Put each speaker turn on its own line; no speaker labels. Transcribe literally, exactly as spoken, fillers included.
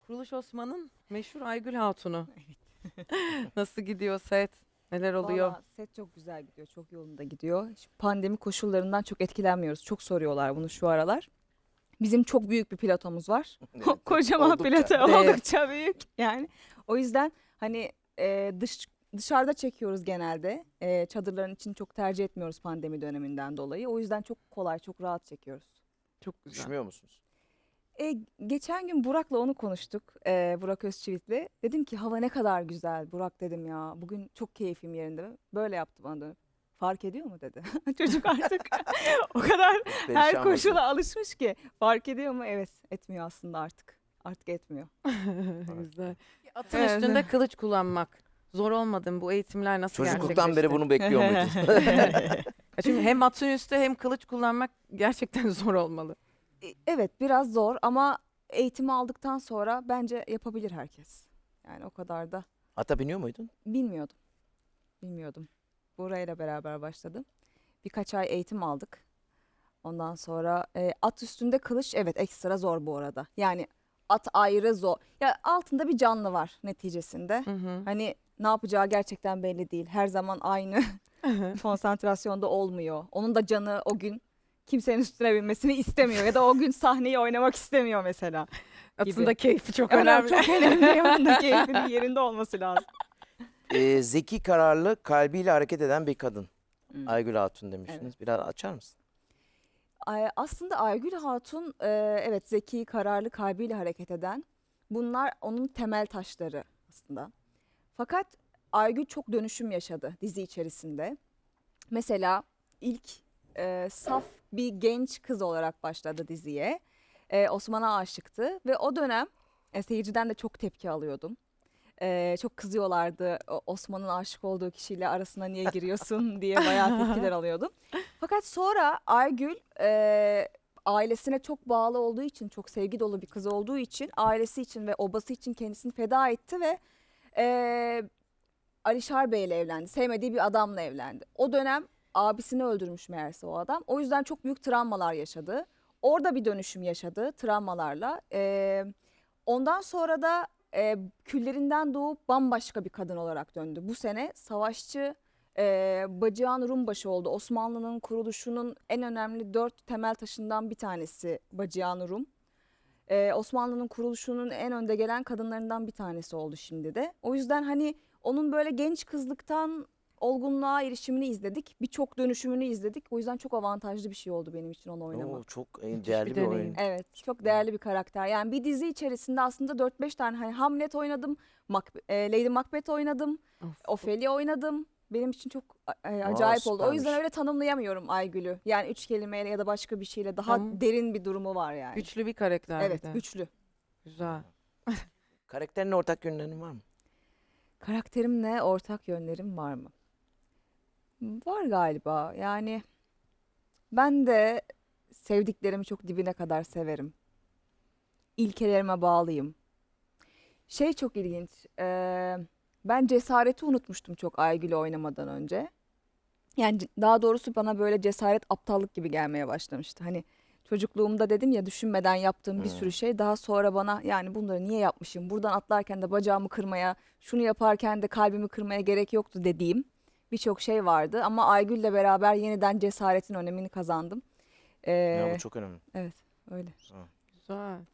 Kuruluş Osman'ın meşhur Aygül Hatun'u. Nasıl gidiyor set? Neler oluyor?
Valla set çok güzel gidiyor, çok yolunda gidiyor. Şu pandemi koşullarından çok etkilenmiyoruz. Çok soruyorlar bunu şu aralar. Bizim çok büyük bir platomuz var.
Evet,
Kocaman
oldukça.
plato
Dev.
oldukça büyük yani. O yüzden hani e, dış dışarıda çekiyoruz genelde. E, çadırların için çok tercih etmiyoruz pandemi döneminden dolayı. O yüzden çok kolay, çok rahat çekiyoruz.
Çok güzel.
Üşümüyor musunuz?
E, geçen gün Burak'la onu konuştuk. E, Burak Özçivit'le. Dedim ki hava ne kadar güzel. Burak dedim ya bugün çok keyfim yerinde. Böyle yaptı bana dönüp. Fark ediyor mu dedi. Çocuk artık o kadar her
Perişan
koşula
mısın?
alışmış ki. Fark ediyor mu? Evet, etmiyor aslında artık. Artık etmiyor.
Güzel. Atın
Evet.
üstünde kılıç kullanmak. Zor olmadı mı? Bu eğitimler nasıl
Çocukluktan beri
gerçekleşti?
bunu bekliyor muydun?
Ya Çünkü hem atın üstü hem kılıç kullanmak gerçekten zor olmalı.
E, Evet, biraz zor ama eğitimi aldıktan sonra bence yapabilir herkes. Yani o kadar da
Ata biniyor muydun?
bilmiyordum. Bilmiyordum. Burayla beraber başladım. Birkaç ay eğitim aldık. Ondan sonra e, at üstünde kılıç evet ekstra zor bu arada. Yani at ayrı zor. Ya altında bir canlı var neticesinde.
Hı hı.
Hani ne yapacağı gerçekten belli değil. Her zaman aynı konsantrasyonda olmuyor. Onun da canı o gün kimsenin üstüne binmesini istemiyor ya da o gün sahneyi oynamak istemiyor mesela.
Atın da keyfi çok
Evet,
önemli.
çok önemli. Onun da keyfinin yerinde olması lazım.
Ee, zeki, kararlı, kalbiyle hareket eden bir kadın.
Hmm.
Aygül Hatun demiştiniz. Biraz açar mısın?
Ay- Aslında Aygül Hatun e, evet zeki, kararlı, kalbiyle hareket eden. Bunlar onun temel taşları aslında. Fakat Aygül çok dönüşüm yaşadı dizi içerisinde. Mesela ilk e, saf bir genç kız olarak başladı diziye. E, Osman'a aşıktı ve o dönem e, seyirciden de çok tepki alıyordum. E, çok kızıyorlardı o- Osman'ın aşık olduğu kişiyle arasına niye giriyorsun diye bayağı tepkiler alıyordum. Fakat sonra Aygül e, ailesine çok bağlı olduğu için, çok sevgi dolu bir kız olduğu için, ailesi için ve obası için kendisini feda etti ve e, Alişar Bey ile evlendi. Sevmediği bir adamla evlendi. O dönem abisini öldürmüş meğerse o adam. O yüzden çok büyük travmalar yaşadı. Orada bir dönüşüm yaşadı travmalarla. E, ondan sonra da e, küllerinden doğup bambaşka bir kadın olarak döndü. Bu sene savaşçı e, Bacıhan Rumbaşı oldu. Osmanlı'nın kuruluşunun en önemli dört temel taşından bir tanesi Bacıhan Rum. Ee, Osmanlı'nın kuruluşunun en önde gelen kadınlarından bir tanesi oldu şimdi de. O yüzden hani onun böyle genç kızlıktan olgunluğa erişimini izledik. Birçok dönüşümünü izledik. O yüzden çok avantajlı bir şey oldu benim için onu oynamak.
Oo, çok e,
Müthiş
değerli
bir
bir,
deneyim.
oyun.
Evet, çok değerli bir karakter. Yani bir dizi içerisinde aslında dört beş tane hani Hamlet oynadım, Mac- e, Lady Macbeth oynadım,
Of.
Ophelia oynadım. Benim için çok e, acayip oldu. O yüzden
süpermiş.
öyle tanımlayamıyorum Aygül'ü. Yani üç kelimeyle ya da başka bir şeyle daha
Tamam.
derin bir durumu var yani.
Güçlü bir karakter
Evet,
bir de.
güçlü.
Güzel.
Karakterine ortak yönlerin var mı?
Karakterimle ortak yönlerim var mı? Var galiba. Yani ben de sevdiklerimi çok dibine kadar severim. İlkelerime bağlıyım. Şey çok ilginç. eee, ben cesareti unutmuştum çok Aygül'ü oynamadan önce. Yani c- daha doğrusu bana böyle cesaret aptallık gibi gelmeye başlamıştı. Hani çocukluğumda dedim ya düşünmeden yaptığım bir sürü
Hmm.
şey daha sonra bana yani bunları niye yapmışım? Buradan atlarken de bacağımı kırmaya, şunu yaparken de kalbimi kırmaya gerek yoktu dediğim birçok şey vardı. Ama Aygül'le beraber yeniden cesaretin önemini kazandım.
Ya
Ee,
bu çok önemli.
evet öyle.
Güzel.